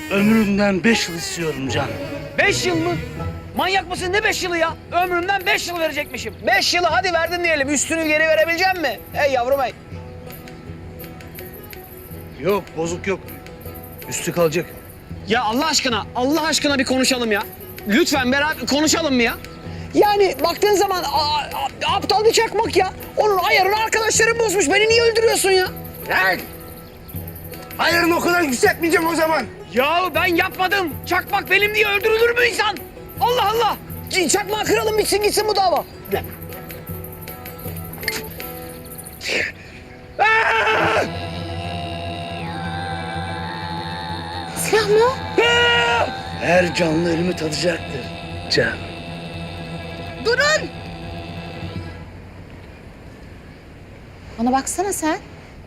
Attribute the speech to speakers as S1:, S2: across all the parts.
S1: Ömrümden 5 yıl istiyorum Can.
S2: 5 yıl mı? Manyak mısın? Ne 5 yılı ya? Ömrümden 5 yıl verecekmişim. 5 yılı hadi verdin diyelim. Üstünü geri verebilecek mi? Hey yavrum hey.
S1: Yok, bozuk yok. Üstü kalacak.
S2: Ya Allah aşkına bir konuşalım ya. Lütfen beraber konuşalım mı ya? Yani baktığın zaman aptal bir çakmak ya. Onun ayarını arkadaşlarım bozmuş. Beni niye öldürüyorsun ya?
S1: Lan! Ayarını o kadar yükseltmeyeceğim o zaman.
S2: Ya ben yapmadım. Çakmak benim diye öldürülür mü insan? Allah Allah. Çakmağı kıralım bitsin gitsin bu dava.
S3: Silah mı?
S1: Her canlı ölümü tadacaktır Can.
S3: Durun! Bana baksana sen.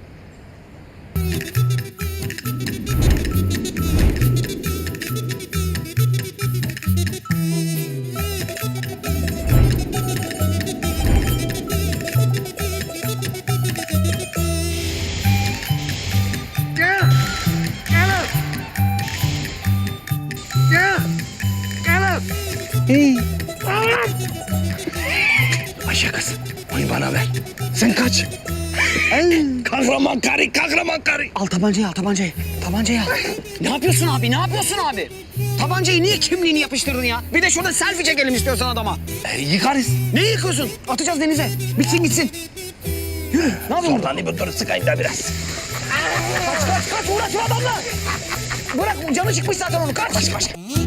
S1: Ayşe kız, onu bana ver. Sen kaç. Kahraman karı.
S2: Al tabancayı al tabancayı. Tabancayı al. Ne yapıyorsun abi? Ne yapıyorsun abi? Tabancayı niye kimliğini yapıştırdın ya? Bir de şurada selfie çekelim istiyorsan adama.
S1: Yıkarız.
S2: Ne yıkıyorsun? Atacağız denize. Bitsin gitsin. Yürü. Ne yapıyorsun?
S1: Oradan bir dur sıkayım da biraz.
S2: Kaç uğraşma adamla. Bırak canı çıkmış zaten onu. Kaç.